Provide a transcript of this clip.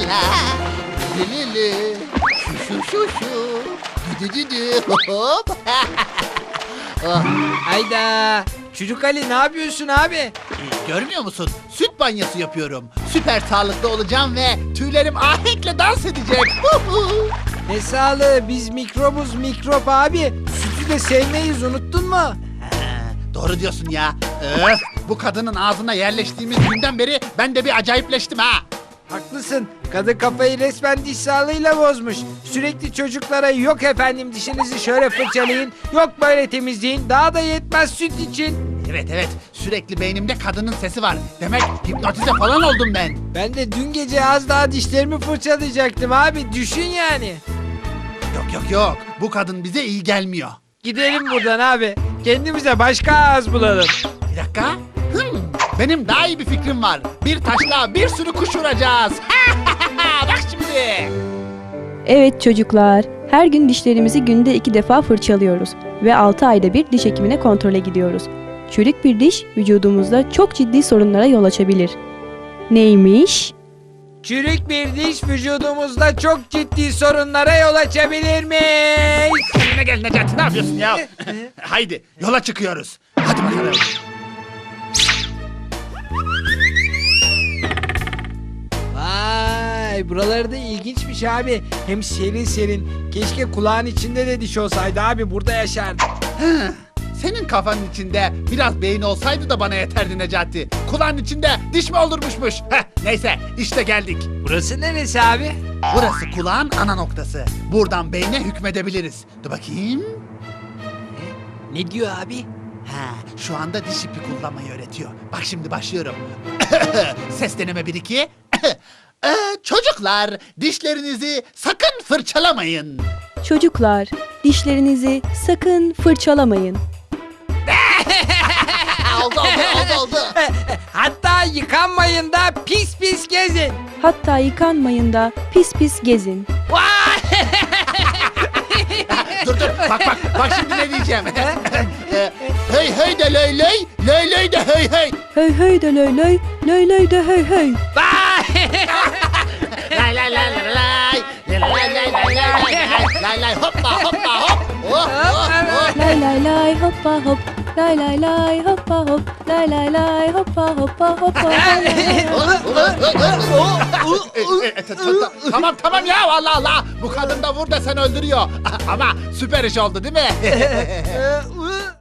la. Li li. Şu. Dü. Hop. Oh. Hayda. Çocuk Ali ne yapıyorsun abi? Görmüyor musun? Süt banyosu yapıyorum. Süper sağlıklı olacağım ve tüylerim ahenkle dans edecek. Ne sağlığı, biz mikrobuz mikrop abi. Sütü de sevmeyiz, unuttun mu? Doğru diyorsun ya. Öf, bu kadının ağzına yerleştiğimiz günden beri ben de bir acayipleştim ha. Haklısın. Kadın kafayı resmen diş sağlığıyla bozmuş. Sürekli çocuklara yok efendim dişinizi şöyle fırçalayın, yok böyle temizleyin, daha da yetmez süt için. Evet, sürekli beynimde kadının sesi var. Demek hipnotize falan oldum ben. Ben de dün gece az daha dişlerimi fırçalayacaktım abi, düşün yani. Yok, bu kadın bize iyi gelmiyor. Gidelim buradan abi. Kendimize başka ağız bulalım. Bir dakika. Benim daha iyi bir fikrim var. Bir taşla bir sürü kuş vuracağız. Bak şimdi. Evet çocuklar, her gün dişlerimizi günde 2 defa fırçalıyoruz ve 6 ayda bir diş hekimine kontrole gidiyoruz. Çürük bir diş vücudumuzda çok ciddi sorunlara yol açabilir. Neymiş? Çürük bir diş vücudumuzda çok ciddi sorunlara yol açabilirmiş. Kendine gel Necati, ne yapıyorsun ya? Haydi yola çıkıyoruz. Hadi bakalım. Vay, buraları da ilginçmiş abi. Hem serin serin. Keşke kulağın içinde de diş olsaydı abi, burada yaşardık. Senin kafanın içinde biraz beyin olsaydı da bana yeterdi Necati. Kulağın içinde diş mi olurmuşmuş? Neyse işte geldik. Burası neresi abi? Burası kulağın ana noktası. Buradan beyne hükmedebiliriz. Dur bakayım. Ne diyor abi? Şu anda diş ipi kullanmayı öğretiyor. Bak şimdi başlıyorum. Ses deneme 1-2. Çocuklar, dişlerinizi sakın fırçalamayın. Çocuklar, dişlerinizi sakın fırçalamayın. Oldu. Hatta yıkanmayın da pis pis gezin. Hatta yıkanmayın da pis pis gezin. Vay! Dur. Bak şimdi ne diyeceğim. Hey de löy de hey. Höy höy de löy löy, löy löy de höy höy. Vay! Lay hoppa hop. Oh. Lay lay lay hoppa hop, lay lay lay hoppa hop, lay lay lay hoppa hoppa hoppa. Tamam ya Allah. Bu kadın da vur desen öldürüyor. Ama süper iş oldu değil mi?